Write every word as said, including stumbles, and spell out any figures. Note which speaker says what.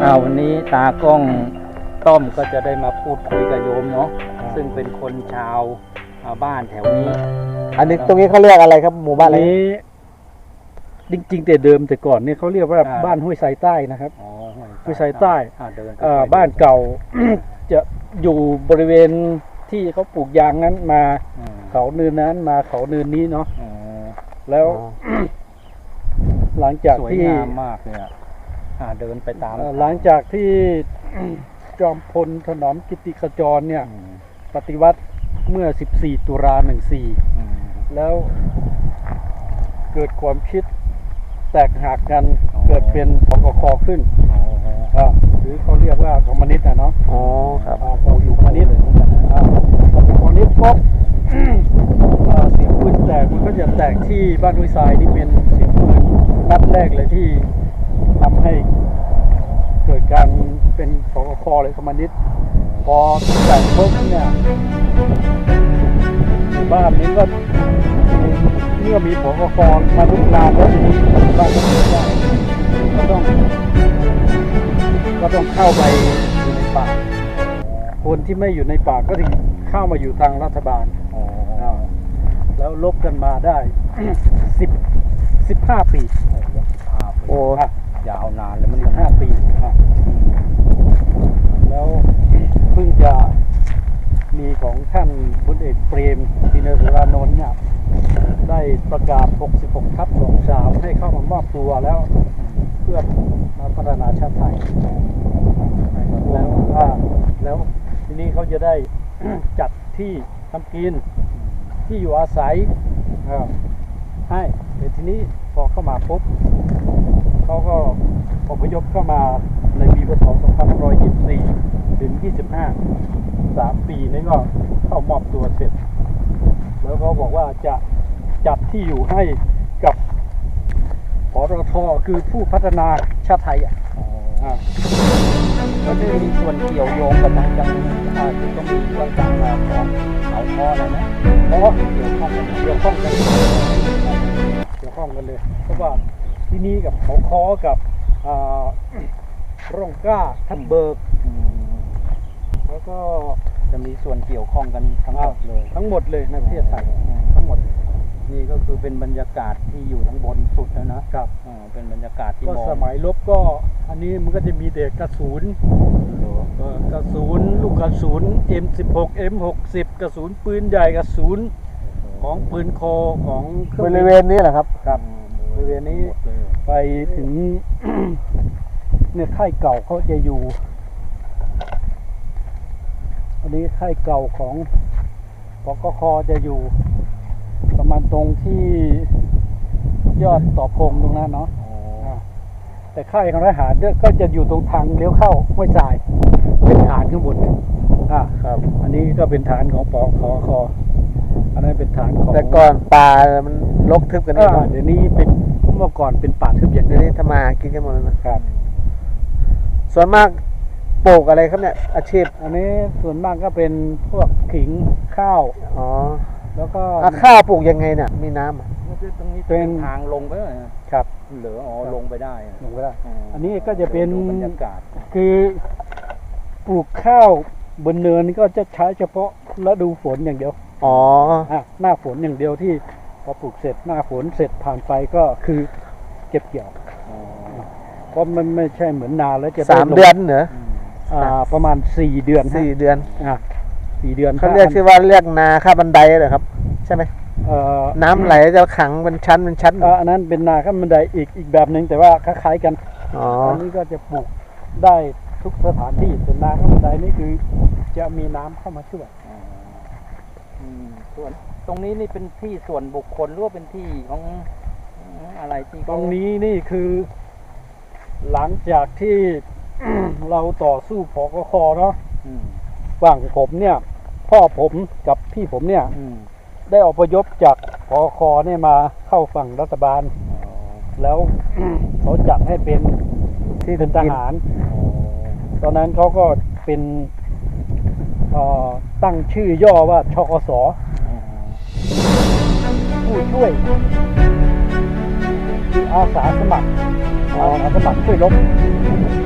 Speaker 1: อ่าวันนี้ตากล้องต้อมก็จะได้มาพูดคุยกับโยมเนาะซึ่งเป็นคนชาวบ้านแถวนี้
Speaker 2: อันนี้ตรงนี้เขาเรียกอะไรครับหมู่บ้านอะไร
Speaker 3: นี้จริงๆแต่เดิมแต่ก่อนเนี่ยเขาเรียกว่าบ้านห้วยไซใต้นะครับห้วยไซใต้บ้านเก่า จะอยู่บริเวณที่เขาปลูกยางนั้นมาเขาเนินนั้นมาเขาเนินนี้เนาะแล้วหลังจากที่
Speaker 1: สวยงามมากเลยอ่ะเดินไปตาม
Speaker 3: หลังจากที่จอมพลถนอมกิติขจรเนี่ยปฏิวัติเมื่อสิบสี่ตุลาหนึ่งสี่แล้วเกิดความคิดแตกหักกันเกิดเป็นพกคขึ้นหรือเขาเรียกว่าคอมมิวนิสต์นะเนาะ
Speaker 2: อ๋อครับ
Speaker 3: พออยู่คอมมิวนิสต์พอเป็นคอมมิวนิสต์ปุ๊บเสียงปืนแตกมันก็จะแตกที่บ้านห้วยทรายนี่เป็นเสียงปืนนัดแรกเลยที่ทำให้เกิดการเป็นพกคเลยคอมมิวนิสต์พอแตกปุ๊บเนี่ยบ้านนี้ก็เมื่อมีผกคมาลุกลามแล้วทีนี้บ้านก็เกิดได้ก็ต้องก็ต้องเข้าไปอยู่ในป่าคนที่ไม่อยู่ในป่าก็ถึงเข้ามาอยู่ทางรัฐบาลแล้วลบกันมาได้สิบสิบห้าปี
Speaker 1: โอ้ยาวนานเลยมัน
Speaker 3: ห้าปีแล้วเพิ่งจะมีของท่านพลเอกเปรมตินสุรานนท์เนี่ยได้ประกาศหกสิบหกทับสองสามให้เข้ามามอบตัวแล้วเพื่อมาพัฒนาชาติไทยแล้วแล้วทีนี้เขาจะได้ จัดที่ทำกินที่อยู่อาศัยให้แต่ทีนี้พอเข้ามาปุ๊บเขาก็อพยพเข้ามาในปีพ.ศ. สองพันห้าร้อยยี่สิบสี่ถึงยี่สิบห้าสามปีนี้ก็เข้ามอบตัวเสร็จแล้วเขาบอกว่าจะจัดที่อยู่ให้กับปตท.คือผู้พัฒนาชาติไทยอ่ะ
Speaker 1: แล้วมีส่วนเกี่ยวโยงกับทางจังอาจจะต้องมีเรื่องการของเขาคออะไรนะ
Speaker 3: เพราะเกี่ยวข้องกันเกี่ยวข้องกันเกี่ยวข้องกันเลยเพราะว่าที่นี่กับเขาคอกับร่องกล้าทับเบิกแล้วก็
Speaker 1: จะมีส่วนเกี่ยวข้องกันทั้งหมดเลย
Speaker 3: ทั้งหมดเลยในประเทศไทยทั้งหมด
Speaker 1: นี่ก็คือเป็นบรรยากาศที่อยู่ทั้งบนสุดแล้วนะครับเป็นบรรยากาศที่
Speaker 3: ก็สมัยรบก็อันนี้มันก็จะมีเด็กกระสุนกระสุนลูกกระสุน เอ็ม สิบหก เอ็ม หกสิบ กระสุนปืนใหญ่กระสุนของปืนคอของ
Speaker 2: บริเวณนี้แหละครับ
Speaker 3: ครับบริเวณนี้ไปถึงเนี่ยค่ายเก่าเขาจะอยู่อันนี้ค่ายเก่าของปกค.จะอยู่ประมาณตรงที่ยอดต่อพงตรงนั้นเนาะแต่ค่ายของทหารก็จะอยู่ตรงทางเลี้ยวเข้าห้วยทรายเป็นฐานข้างบนอ่าครับอันนี้ก็เป็นฐานของปกค.อันนั้นเป็นฐานของ
Speaker 2: แต่ก่อนป่ามันรกทึบกันนี่
Speaker 3: เดี๋ยวนี้เป็นเมื่อก่อนเป็นป่าทึบอย่าง
Speaker 2: นี้ทำมากินกันหมดแล้วนะครับส่วนมากปลูกอะไรครับเนี่ยอาชีพ
Speaker 3: อันนี้ส่วนมากก็เป็นพวกขิงข้าว
Speaker 2: อ๋อ
Speaker 3: แล้วก็
Speaker 2: ข้าวปลูกยังไงเนี่ยมีน้
Speaker 1: ำตรงนี้เป็นทางลงไปเลย
Speaker 3: ครับ
Speaker 1: เหลืออ๋อลงไปได้
Speaker 3: ลงไปได้อันนี้ก็จะเป็นบรรยากาศคือปลูกข้าวบนเนินก็จะใช้เฉพาะฤดูฝนอย่างเดียว
Speaker 2: อ๋อ
Speaker 3: หน้าฝนอย่างเดียวที่พอปลูกเสร็จหน้าฝนเสร็จผ่านไปก็คือเก็บเกี่ยวเพราะมันไม่ใช่เหมือนนาแล้วจะ
Speaker 2: สามเดือนเหรอ
Speaker 3: ประมาณสี่เดือน
Speaker 2: สี่เดือน
Speaker 3: อ่ะสี่เดือน
Speaker 2: เขาเรียกชื่อว่าเรียกนาข้าบันไดเหรอครับใช่ไหมน้ำไหลจะขังเป็นชั้นเป็นชั้น
Speaker 3: อันนั้นเป็นนาข้าบันไดอีกอีกแบบหนึ่งแต่ว่าคล้ายๆกันอันนี้ก็จะปลูกได้ทุกสถานที่แต่นาข้าบันไดนี่คือจะมีน้ำเข้ามาช่วย
Speaker 1: ส่วนตรงนี้นี่เป็นที่ส่วนบุคคลหรือว่าเป็นที่ของอะไรที่
Speaker 3: ตรงนี้นี่คือหลังจากที่เราต่อสู้ปกค.เนาะฝั่งผมเนี่ยพ่อผมกับพี่ผมเนี่ยได้อพยพจากปกค.เนี่ยมาเข้าฝั่งรัฐบาลแล้วเขาจัดให้เป็นที่เป็นทหารตอนนั้นเขาก็เป็นตั้งชื่อย่อว่าชกส.ผู้ช่วยอาสาสมัครอาสาสมัครช่วยรบ